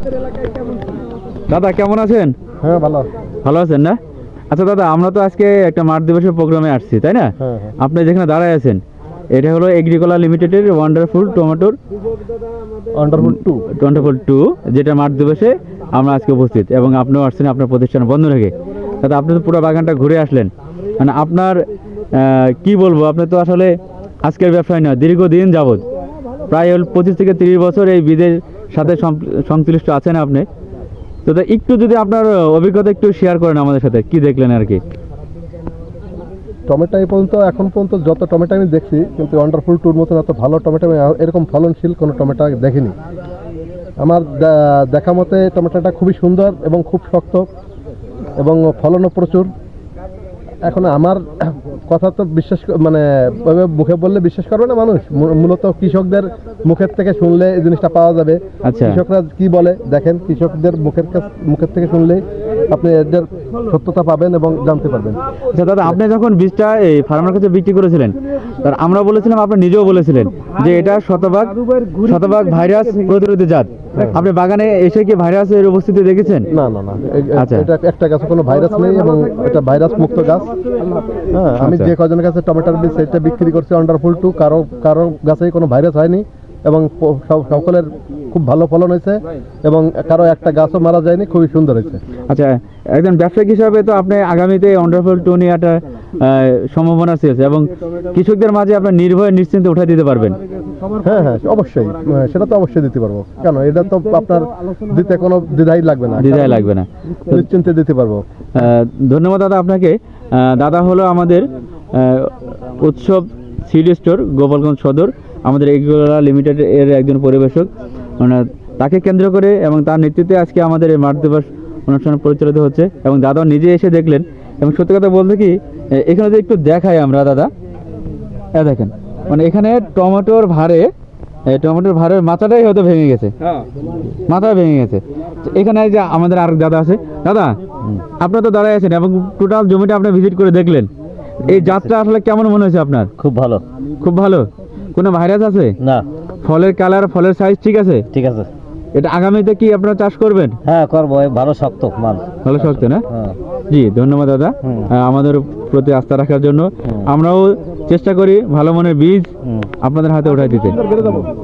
দাদা কেমন আছেন? হ্যাঁ ভালো। ভালো আছেন না? আচ্ছা দাদা, আমরা তো আজকে একটা মাঠ দিবসের প্রোগ্রামে আসছি, তাই না? আপনি যেখানে দাঁড়ায় আছেন এটা হলো এগ্রিকোলা লিমিটেডের ওয়ান্ডারফুল টমেটোর ওয়ান্ডারফুল টু, যেটা মাঠ দিবসে আমরা আজকে উপস্থিত, এবং আপনিও আসছেন আপনার প্রতিষ্ঠান বন্ধ রেখে। দাদা আপনি তো পুরো বাগানটা ঘুরে আসলেন, মানে আপনার কি বলবো, আপনি তো আসলে আজকের ব্যবসায় নয়, দীর্ঘদিন যাবৎ প্রায় 25 থেকে 30 বছর এই বীজের সাথে সংশ্লিষ্ট আছেন আপনি। তো একটু যদি আপনার অভিজ্ঞতা একটু শেয়ার করেন আমাদের সাথে, কি দেখলেন আর কি? টমেটো এখন পর্যন্ত যত টমেটো আমি দেখছি, কিন্তু ওয়ান্ডারফুল টুর মতন এত ভালো টমেটো আমি এরকম ফলনশীল কোনো টমেটো দেখিনি। আমার দেখা মতে টমেটোটা খুবই সুন্দর এবং খুব শক্ত এবং ফলনও প্রচুর। এখন আমার কথা তো বিশ্বাস মানে মুখে বললে বিশ্বাস করবে না মানুষ, মূলত কৃষকদের মুখের থেকে শুনলে এই জিনিসটা পাওয়া যাবে। আচ্ছা, কৃষকরা কি বলে দেখেন, কৃষকদের মুখের থেকে শুনলেই আপনি এদের সত্যতা পাবেন এবং জানতে পারবেন। আচ্ছা দাদা, আপনি যখন বীজটা এই ফার্মার কাছে বিক্রি করেছিলেন, তার আমরা বলেছিলাম, আপনি নিজেও বলেছিলেন যে এটা শতভাগ ভাইরাস প্রতিরোধী জাত। আপনি বাগানে এসে কি ভাইরাসের উপস্থিতি দেখেছেন? না, আচ্ছা, এটা একটা গাছে কোনো ভাইরাস নেই এবং এটা ভাইরাস মুক্ত গাছ। হ্যাঁ, আমি যে কজনের কাছে টমেটোর বীজ সেটা বিক্রি করছি ওয়ান্ডারফুল টু, কারো গাছেই কোনো ভাইরাস হয়নি এবং সকলের খুব ভালো ফলন হয়েছে এবং কারো একটা গাছও মারা যায়নি, খুবই সুন্দর হয়েছে। আচ্ছা, একজন ব্যবসায়িক হিসাবে তো আপনি আগামীতে ওয়ান্ডারফুল টু নিয়ে একটা সম্ভাবনা আছে এবং কৃষকদের মাঝে আপনার নির্ভয়ে নিশ্চিন্তে উঠে দিতে পারবেন। হ্যাঁ, অবশ্যই, সেটা তো অবশ্যই দিতে পারবো। কেন, এটা তো আপনার দিতে কোনো দ্বিধাই লাগবে না, নিশ্চিন্তে দিতে পারবো। ধন্যবাদ দাদা আপনাকে। দাদা হলো আমাদের উৎসব সিড স্টোর গোপালগঞ্জ সদর, আমাদের এগ্রিকোলা লিমিটেড এর একজন পরিবেশক। তাকে কেন্দ্র করে এবং তার নেতৃত্বে আজকে আমাদের এই মাঠ দিবস অনুষ্ঠান পরিচালিত হচ্ছে এবং দাদা নিজে এসে দেখলেন। এবং সত্যি কথা বলতে কি, এখানে যে একটু দেখাই আমরা দাদা, দেখেন মানে এখানে টমেটোর ভারের মাথাটাই হয়তো ভেঙে গেছে, মাথা ভেঙে গেছে। এখানে যে আমাদের আর দাদা আছে, দাদা আপনার তো দাঁড়ায় আছেন এবং টোটাল জমিটা আপনি ভিজিট করে দেখলেন, এই জাতটা আসলে কেমন মনে হয়েছে আপনার? খুব ভালো। খুব ভালো। কোনো ভাইরাস আছে না? ফলের কালার, ফলের সাইজ ঠিক আছে? ঠিক আছে। এটা আগামীতে কি আপনারা চাষ করবেন? হ্যাঁ করবো, ভালো শক্ত মাল। ভালো শক্ত না? জি, ধন্যবাদ দাদা আমাদের প্রতি আস্থা রাখার জন্য। আমরাও চেষ্টা করি ভালো মানের বীজ আপনাদের হাতে উঠাই দিতে।